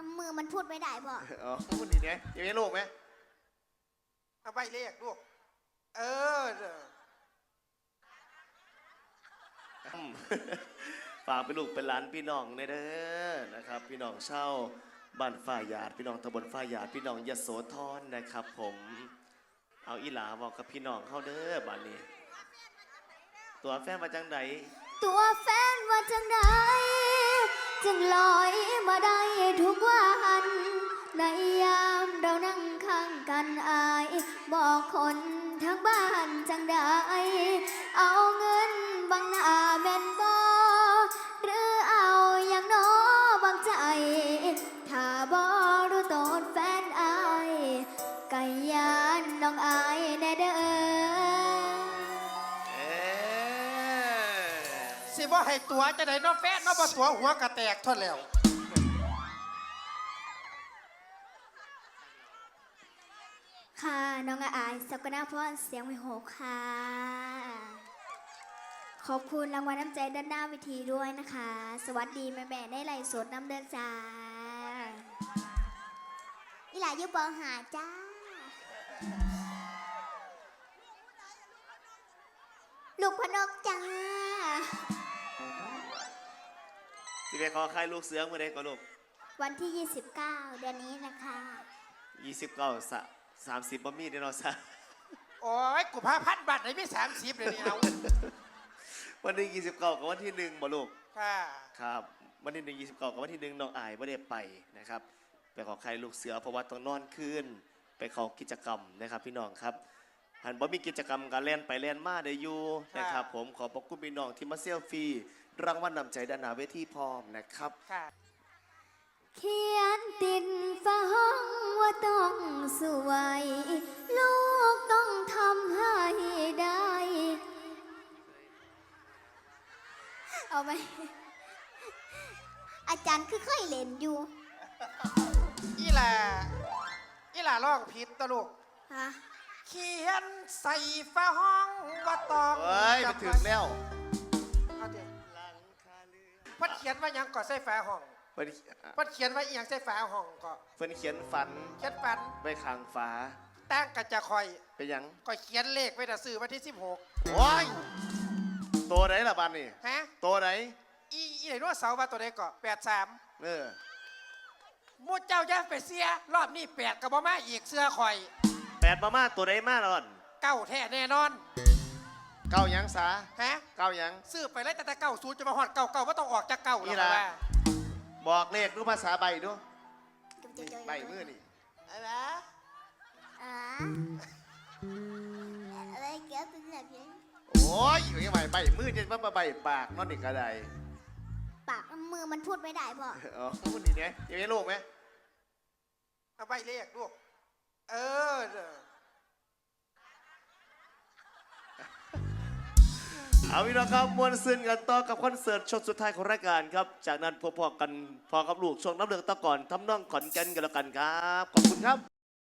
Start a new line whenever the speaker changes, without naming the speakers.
มือมันพูดไม่ได้พ่อ
อ๋อพูดดีเนี่ยยังไงลูกไหม
เอาใบเลขลูกเออ
ฝากไปลูกเป็นหลานพี่น้องเด้อนะครับพี่น้องเช่าบ้านฝ้าหยาดพี่น้องตำบลฝ้าหยาดพี่น้องยโสธรนะครับผมเอาอีหลาบอกกับพี่น้องเข้าเด้อบ้านนี้ตัวแฟนมาจังไหน
ตัวแฟนว่าจังใดจึงลอยมาได้ทุกวันในยามเรานั่งข้างกันอายบอกคนทั้งบ้านจังใดเอาเงินบังหน้าแม่นบ่หรือเอาอย่างน้อบางใจถ้าบ่รู้ตนแฟนอายไก่ยานน้องอายแน่เด้อ
สิบ่ให้ตัวจะได้น้องแฟนน้องบ่ตัวหัวกระแตกทนแล้ว
ค่ะน้องอายสกนาพรเสียงวิหกค่ะขอบคุณรางวัลน้ำใจด้านหน้าวิธีด้วยนะคะสวัสดีแม่ๆได้ไล่สดน้ำเดินจ้าอีหลายุบองหาจ้าลูกพนกจ้า
ที่ไปขอใครลูกเสือเมื่อใดก็ลูก
วันที่29เดือนนี้นะคะ
29 30บ่มีเด้อเนาะซะ
โอ้ยกูพา1,000 บาทไหนไม่30เลยนี่เอา
วันที่29กับวันที่1บ่ลูก
ค่ะ
ครับวันที่1 29กับวันที่1น้องอายบ่ได้ไปนะครับไปขอใครลูกเสือเพราะว่าต้องนอนคืนไปเข้ากิจกรรมนะครับพี่น้องครับหันบ่มีกิจกรรมการเล่นไปเล่นมาได้อยู่นะครับผมขอบพระคุณพี่น้องที่มาเซลฟี่รางวัลนำใจด้านหน้าเวทีพร้อมนะครับ
เขียนติดฝาห้องว่าต้องสวยลูกต้องทำให้ได้เอาไหมอาจารย์คือเคยเล่นอยู่
อีหล่าร้องผิดตะลูก
ฮะ
เขียนใส่ฝาห้องว่าต้อง
เฮ้ยไปถึงแล้ว
เอาดิพัดเขียนว่ายังก่อใส่ฝาห้องพัดเขียนว่าอีหยังใส่ฝาห้องก็
เพิ่นเขียนฝันไปข้างฝา
ตั้งกระจะคอย
ไปยัง
ก็เขียนเลขไว้แต่ซื้อวันที่16
โอ้ยตัวไหนล่ะบ้านนี่
ฮะ
ตัวไหน
อีไหนรู้ว่าเสาร์ว่าตัวไหนก็83มูเจ้าจะไปเสียรอบนี้8กับบ่มาอีกเสื้อคอย
8มาตัวไหนมาล่ะ
เก้าแท้แน่นอน
เก้ายังสา
ฮะ
เก้ายัง
ซื้อไปเลยแต่90จะมาฮอดเก่าว่าต้องออกจากเก่าแล้วว่า
บอกเลขดูภาษาใบดูใบมือนี่
อะไร
อะไรเกี่ยวกับแบบนี้
โอ้ยอยู่ยังไงใบมือจะมาใบปากนอนอีกกระได
ปากมือมันพูดไม่ได้พ่อ
อ๋อพูดดีเนี่ยยังไงลูกไหม
เอาใบเลขลูกเออ
เอาพี่น้องครับมวนซึนกันต่อกับคอนเสิร์ตช่วงสุดท้ายของรายการครับจากนั้นพอกันพอกับลูกช่วงน้ำเลืองตะก่อนทำน้องขอนแก่นกันแล้วกันครับขอบคุณครับ